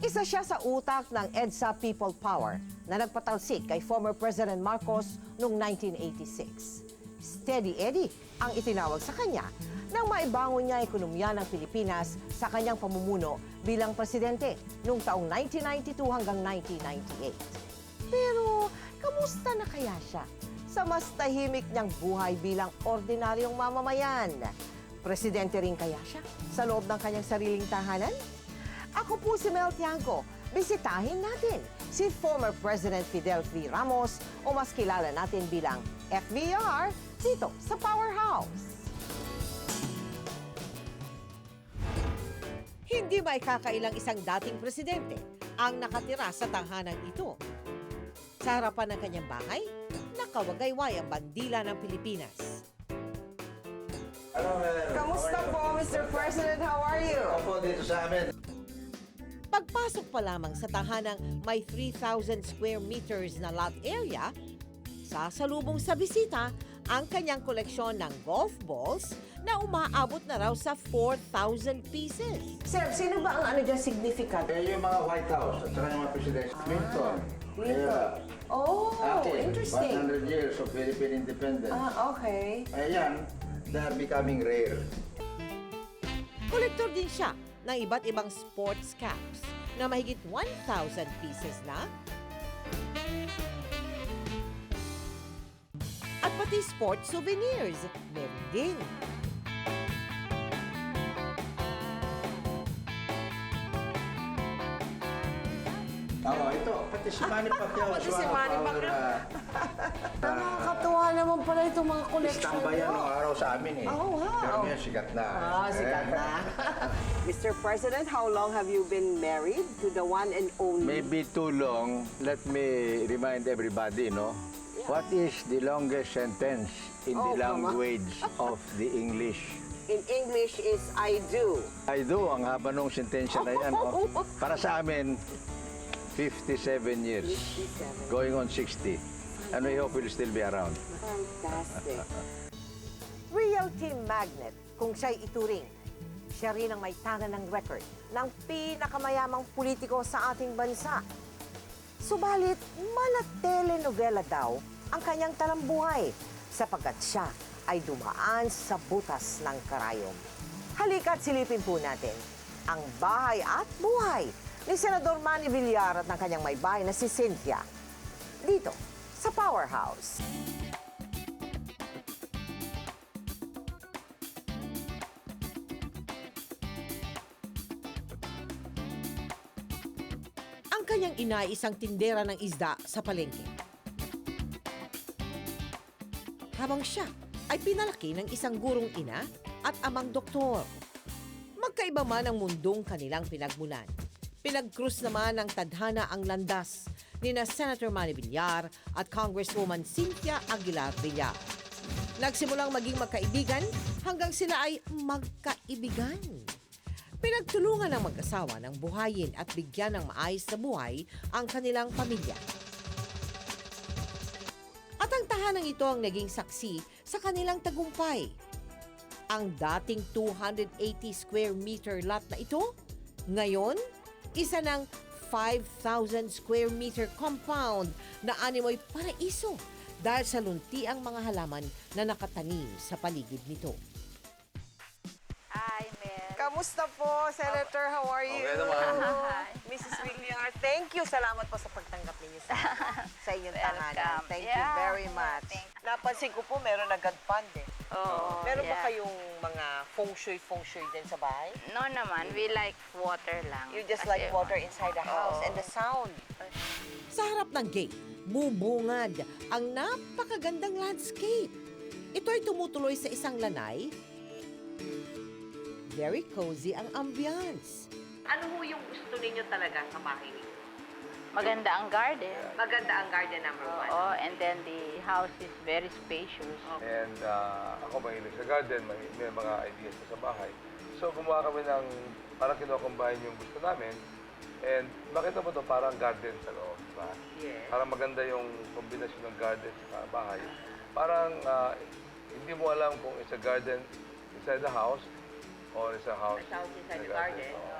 Isa siya sa utak ng EDSA People Power na nagpatalsik kay former President Marcos noong 1986. Steady Eddie ang itinawag sa kanya nang maibangon niya ang ekonomiya ng Pilipinas sa kanyang pamumuno bilang presidente noong taong 1992 hanggang 1998. Pero kamusta na kaya siya sa mas tahimik niyang buhay bilang ordinaryong mamamayan? Presidente rin kaya siya sa loob ng kanyang sariling tahanan? Ako po si Mel Tiangco. Bisitahin natin si former President Fidel V. Ramos o mas kilala natin bilang FVR dito sa Powerhouse. Hindi maikakailang isang dating presidente ang nakatira sa tahanan ito. Sa harapan ng kanyang bahay, nakawagayway ang bandila ng Pilipinas. Kamusta po, Mr. President? How are you? Opo, dito sa amin. Pagpasok pa lamang sa tahanang may 3,000 square meters na lot area, sasalubong sa bisita ang kanyang koleksyon ng golf balls na umaabot na raw sa 4,000 pieces. Sir, sino ba ang significant? Yung mga White House at saka yung mga presidente. Clinton. Clinton. Oh, interesting. 100 years of Philippine independence. Okay. Ayan, they are becoming rare. Kolektor din siya ng iba't ibang sports caps na mahigit 1,000 pieces na. At pati sports souvenirs, meron din. Oo, ito. Pati si Manny Pacquiao. Pati si Manny Pacquiao. Nakakatuwa naman pala itong mga collection Istamba yan nung araw sa amin eh. Oh, wow. Pero ngayon sikat na. Sikat na. Mr. President, how long have you been married to the one and only? Maybe too long. Let me remind everybody, what is the longest sentence in the language of the English? In English is I do. I do, ang haba nung sentensya na yan. Para sa amin, 57 years. 57. Going on 60. And we hope we'll still be around. Fantastic. Realty magnet, kung siya'y ituring. Siya rin ang may tangan ng record ng pinakamayamang politiko sa ating bansa. Subalit, mala-telenovela daw ang kanyang talambuhay sapagkat siya ay dumaan sa butas ng karayom. Halika't silipin po natin ang bahay at buhay ni Senador Manny Villar at ng kanyang may bahay na si Cynthia dito sa Powerhouse. Ang kanyang ina ay isang tindera ng isda sa palengke. Habang siya ay pinalaki ng isang gurong ina at amang doktor. Magkaiba man ang mundong kanilang pinagmulan. Pinag-cruise naman ng tadhana ang landas ni na Senator Manny Villar at Congresswoman Cynthia Aguilar Villar. Nagsimulang maging magkaibigan hanggang sila ay magkaibigan. Pinagtulungan ng mag-asawa ng buhayin at bigyan ng maayos na buhay ang kanilang pamilya. At ang tahanang ito ang naging saksi sa kanilang tagumpay. Ang dating 280 square meter lot na ito, ngayon, isa ng 5,000 square meter compound na animoy paraiso dahil sa lunti ang mga halaman na nakatanim sa paligid nito. Hi, Mel. Kamusta po, Senator? How are you? Okay naman. Hi. Mrs. Villar, thank you. Salamat po sa pagtanggap ninyo sa inyong tahanan. Welcome. Thank you Yeah. very much. Thank Napansin ko po, meron agad fund eh. Oh, Meron ba yeah. kayong mga feng shui din sa bahay? No naman, we like water lang. You just Kasi, like water inside the house Oo. and the sound. Sa harap ng gate, bubungad ang napakagandang landscape. Ito ay tumutuloy sa isang lanay. Very cozy ang ambience. Ano ho yung gusto ninyo talaga sa bahay ninyo? Maganda ang garden. Maganda ang garden number Oo, and then the house is very spacious. And ako mahilig sa garden, may mga ideas sa bahay. So gumawa kami ng, parang kinocombine yung gusto namin. And makita mo to parang garden sa loob, diba? Yes. Parang maganda yung kombinasyon ng garden sa bahay. Parang hindi mo alam kung it's a garden inside the house or it's a house It's a house inside in the garden.